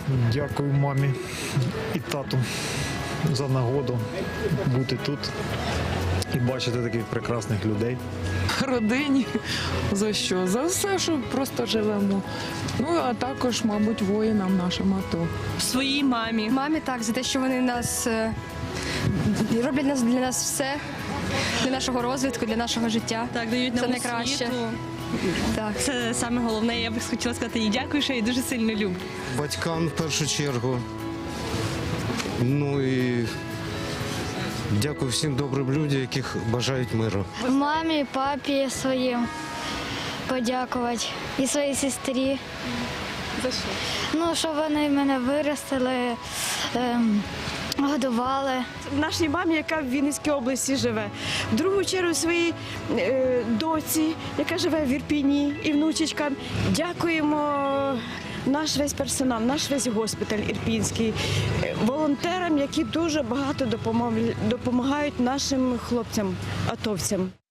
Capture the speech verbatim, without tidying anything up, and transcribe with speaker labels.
Speaker 1: Дякую мамі і тату за нагоду бути тут і бачити таких прекрасних людей.
Speaker 2: Родині. За що? За все, що просто живемо. Ну, а також, мабуть, воїнам нашим АТО.
Speaker 3: Своїй мамі.
Speaker 4: Мамі так, за те, що вони нас е, роблять нас для нас все, для нашого розвитку, для нашого життя.
Speaker 3: Так, дають
Speaker 4: Це
Speaker 3: нам
Speaker 4: найкраще.
Speaker 3: освіту.
Speaker 4: Так.
Speaker 3: Це саме головне. Я б хотіла сказати їй дякую, що я її дуже сильно люблю.
Speaker 5: Батькам в першу чергу. Ну і дякую всім добрим людям, яких бажають миру.
Speaker 6: Мамі, папі своїм подякувати і своїй сестрі.
Speaker 4: За що?
Speaker 6: Ну, що вони мене виростили, ем, годували.
Speaker 7: Нашій мамі, яка в Вінницькій області живе. В другу чергу своїй е, доці, яка живе в Ірпіні, і внучечкам. Дякуємо наш весь персонал, наш весь госпіталь ірпінський, е, волонтерам, які дуже багато допомог- допомагають нашим хлопцям, атовцям.